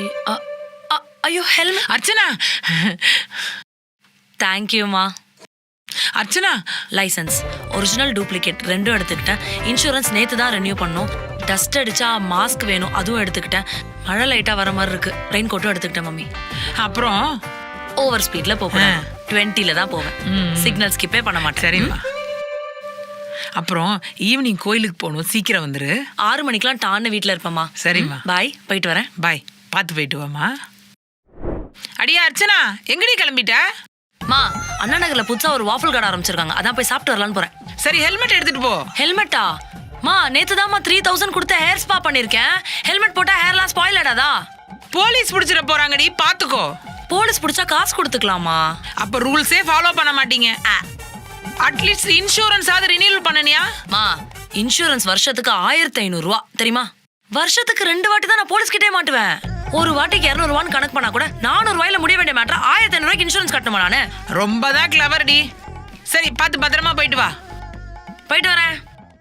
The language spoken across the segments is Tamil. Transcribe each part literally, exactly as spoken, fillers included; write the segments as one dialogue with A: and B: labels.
A: ஐயோ ஹெல்மெட்.
B: அர்ச்சனா
A: தேங்க்யூமா.
B: அர்ச்சனா
A: லைசன்ஸ் ஒரிஜினல் டூப்ளிகேட் ரெண்டும் எடுத்துக்கிட்டேன். இன்சூரன்ஸ் நேற்று தான் ரெனியூ பண்ணோம். டஸ்ட் அடிச்சா மாஸ்க் வேணும், அதுவும் எடுத்துக்கிட்டேன். மழை லைட்டாக வர மாதிரி இருக்கு, ரெயின் கோட்டும் எடுத்துக்கிட்டேன் மம்மி.
B: அப்புறம்
A: ஓவர் ஸ்பீட்ல போவேன், டுவெண்ட்டில தான் போவேன். சிக்னல் ஸ்கிப்பே பண்ண மாட்டேன்.
B: சரிம்மா. அப்புறம் ஈவினிங் கோயிலுக்கு போகணும், சீக்கிரம் வந்துரு.
A: ஆறு மணிக்கெல்லாம் டான்னு வீட்டில் இருப்பேம்மா.
B: சரிம்மா.
A: பாய், போயிட்டு வரேன்.
B: பாய், பார்த்து போயிட்டு வாமா. அடியா அர்ச்சனா, எங்கடி கிளம்பிட்ட?
A: மா, அண்ணா நகர்ல புதுசா ஒரு வாஃபிள் கடை ஆரம்பிச்சிருக்காங்க, அதான் போய் சாப்பிட்டு வரலான்னு போறேன்.
B: சரி, ஹெல்மெட் எடுத்துட்டு போ.
A: ஹெல்மெட்டா? மா, நேத்து தான்மா த்ரீ தௌசண்ட் கொடுத்து ஹேர் ஸ்பா பண்ணிருக்கேன். ஹெல்மெட் போட்டா ஹேர்லாம் ஸ்பாயில் ஆடாதா?
B: போலீஸ் பிடிச்சிட போறாங்கடி, பாத்துக்கோ.
A: போலீஸ் பிடிச்சா காசு கொடுத்துக்கலாமா?
B: அப்ப ரூல்ஸே ஃபாலோ பண்ண மாட்டீங்க. அட்லீஸ்ட் இன்சூரன்ஸ் ஆவது ரினியூவல் பண்ணனியா?
A: மா, இன்சூரன்ஸ் வருஷத்துக்கு ஆயிரத்தி ஐநூறு ரூபா தெரியுமா? வருஷத்துக்கு ரெண்டு வாட்டி தான் நான் போலீஸ் கிட்டே மாட்டுவேன். ஒரு வாட்டிக்கு இருநூறு ரூபான்னு கணக்கு பண்ணா கூட நானூறு ரூபாயில முடிய வேண்டிய மேட்டர் ஆயிரத்தி ஐநூறு ரூபாய்க்கு இன்சூரன்ஸ் கட்டணுமா நானு?
B: ரொம்ப தான் கிளவர் டி. சரி, பார்த்து பத்திரமா போயிட்டு வா.
A: போயிட்டு வரேன்.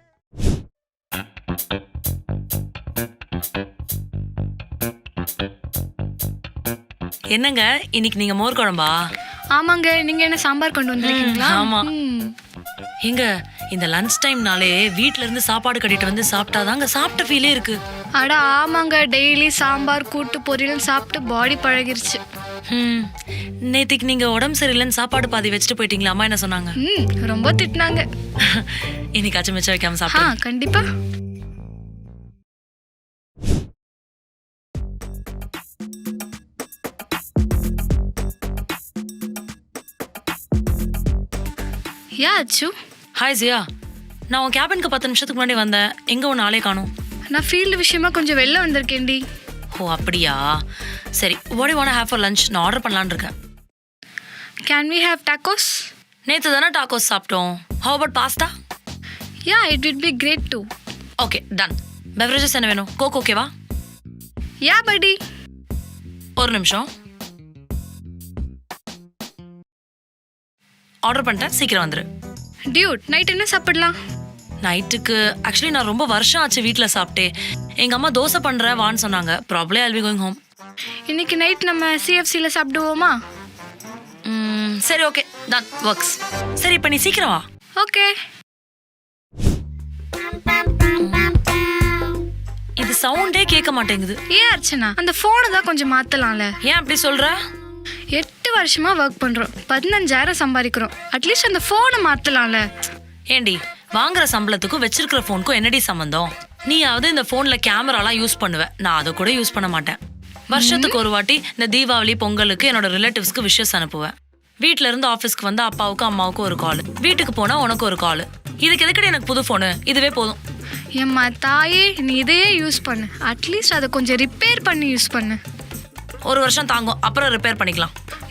A: என்னங்க இன்னைக்கு நீங்க மோர் குழம்பா?
C: ஆமாங்க. நீங்க என்ன சாம்பார் கொண்டு வந்திருக்கீங்களா?
A: ஆமா. எங்க இந்த லஞ்ச் டைம்னாலே வீட்ல இருந்து சாப்பாடு கட்டிட்டு வந்து சாப்பிட்டாதாங்க சாப்பிட்ட ஃபீலே இருக்கு.
C: அட ஆமாங்க, டெய்லி சாம்பார் கூட்டு பொரியல் சாப்பிட்டு பாடி பழகிருச்சு.
A: ம், நேத்திக்கு நீங்க உடம்பு சரியில்லைன்னு சாப்பாடு பாதி வச்சுட்டு போயிட்டீங்களா? அம்மா என்ன சொன்னாங்க?
C: ம், ரொம்ப திட்டினாங்க.
A: இன்னைக்காச்சும் மிச்சம் வைக்காம
C: ஆ,
A: சாப்பிட்டு.
C: கண்டிப்பா. யா அச்சு.
A: ஹாய் ஜியா, நான் உன் கேபினுக்கு பத்து நிமிஷத்துக்கு முன்னாடி வந்தேன். எங்க உன் ஆளே காணோம்?
C: நான் ஃபீல்டு விஷயமா கொஞ்சம் வெளில வந்திருக்கேன்டி.
A: ஓ அப்படியா? சரி, what do you want to have for lunch? நான் ஆர்டர் பண்ணலான்னு இருக்கேன்.
C: Can we have tacos?
A: நேற்று தானே டாக்கோஸ் சாப்பிட்டோம். How about pasta?
C: Yeah, it would be great too.
A: Okay, done. Beverages என்ன வேணும்? கோக் ஓகேவா?
C: Yeah, buddy.
A: ஒரு நிமிஷம். ஆர்டர் பண்ணிட்டேன், சீக்கிரம் வந்துரு.
C: டியூட், நைட் என்ன சாப்பிடலாம்?
A: நைட்டுக்கு ஆக்சுவலி நான் ரொம்ப வருஷம் ஆச்சு வீட்டில் சாப்பிட்டே. எங்கள் அம்மா தோசை பண்ணுறேன் வான்னு சொன்னாங்க. Probably I'll be going home.
C: இன்னைக்கு நைட் நம்ம சிஎஃப்சில சாப்பிடுவோமா?
A: ம், சரி ஓகே, டன், ஒர்க்ஸ். சரி, இப்போ நீ சீக்கிரம் வா.
C: ஓகே.
A: இது சவுண்டே கேட்க மாட்டேங்குது.
C: ஏன் அர்ச்சனா, அந்த ஃபோனை தான் கொஞ்சம் மாத்தலாம்ல?
A: ஏன் அப்படி சொல்ற?
C: எட்டு வருஷமா ஒர்க் பண்றோம், பதினஞ்சாயிரம் சம்பாதிக்கிறோம். அட்லீஸ்ட் அந்த ஃபோனை மாத்தலாம்ல?
A: ஏண்டி, வாங்குற சம்பளத்துக்கும் வச்சிருக்கிற ஃபோனுக்கும் என்னடி சம்பந்தம்? நீயாவது இந்த ஃபோன்ல கேமராலாம் யூஸ் பண்ணுவ, நான் அதை கூட யூஸ் பண்ண மாட்டேன். வருஷத்துக்கு ஒரு வாட்டி இந்த தீபாவளி பொங்கலுக்கு என்னோட ரிலேட்டிவ்ஸ்க்கு விஷஸ் அனுப்புவேன். வீட்டுல இருந்து ஆஃபீஸ்க்கு வந்து அப்பாவுக்கும் அம்மாவுக்கும் ஒரு கால், வீட்டுக்கு போனா உனக்கு ஒரு கால். இதுக்கு எதுக்கடி எனக்கு புது ஃபோனு? இதுவே போதும்.
C: எம்மா தாயே, நீ இதையே யூஸ் பண்ணு. அட்லீஸ்ட் அதை கொஞ்சம் ரிப்பேர் பண்ணி யூஸ் பண்ணு.
A: ஒரு வருஷம் தாங்கும், அப்புறம் ரிப்பேர் பண்ணிக்கலாம்.